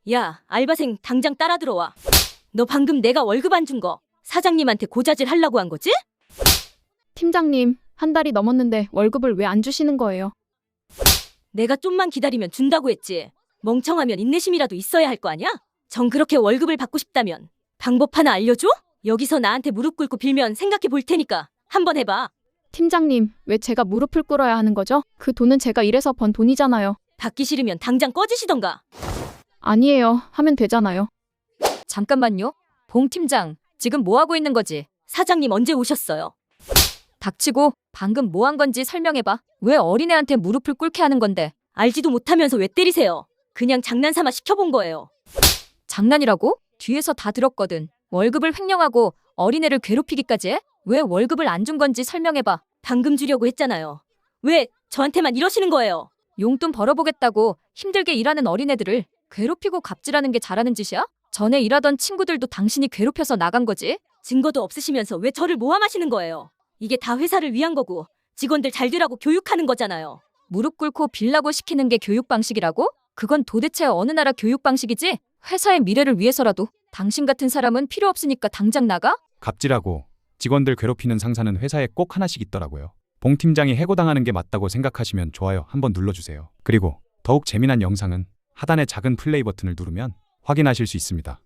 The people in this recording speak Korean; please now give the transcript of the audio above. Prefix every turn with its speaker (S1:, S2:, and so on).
S1: 야, 알바생 당장 따라 들어와. 너 방금 내가 월급 안 준 거 사장님한테 고자질 하려고 한 거지?
S2: 팀장님, 한 달이 넘었는데 월급을 왜 안 주시는 거예요?
S1: 내가 좀만 기다리면 준다고 했지. 멍청하면 인내심이라도 있어야 할 거 아니야? 정 그렇게 월급을 받고 싶다면 방법 하나 알려줘? 여기서 나한테 무릎 꿇고 빌면 생각해 볼 테니까 한번 해봐.
S2: 팀장님, 왜 제가 무릎을 꿇어야 하는 거죠? 그 돈은 제가 일해서 번 돈이잖아요.
S1: 받기 싫으면 당장 꺼지시던가.
S2: 아니에요. 하면 되잖아요.
S3: 잠깐만요. 봉 팀장, 지금 뭐 하고 있는 거지?
S1: 사장님 언제 오셨어요?
S3: 닥치고 방금 뭐 한 건지 설명해봐. 왜 어린애한테 무릎을 꿇게 하는 건데?
S1: 알지도 못하면서 왜 때리세요? 그냥 장난삼아 시켜본 거예요.
S3: 장난이라고? 뒤에서 다 들었거든. 월급을 횡령하고 어린애를 괴롭히기까지 해? 왜 월급을 안 준 건지 설명해봐.
S1: 방금 주려고 했잖아요. 왜 저한테만 이러시는 거예요?
S3: 용돈 벌어보겠다고 힘들게 일하는 어린애들을 괴롭히고 갑질하는 게 잘하는 짓이야? 전에 일하던 친구들도 당신이 괴롭혀서 나간 거지?
S1: 증거도 없으시면서 왜 저를 모함하시는 거예요? 이게 다 회사를 위한 거고 직원들 잘 되라고 교육하는 거잖아요.
S3: 무릎 꿇고 빌라고 시키는 게 교육 방식이라고? 그건 도대체 어느 나라 교육 방식이지? 회사의 미래를 위해서라도 당신 같은 사람은 필요 없으니까 당장 나가?
S4: 갑질하고 직원들 괴롭히는 상사는 회사에 꼭 하나씩 있더라고요. 봉 팀장이 해고당하는 게 맞다고 생각하시면 좋아요 한번 눌러주세요. 그리고 더욱 재미난 영상은 하단의 작은 플레이 버튼을 누르면 확인하실 수 있습니다.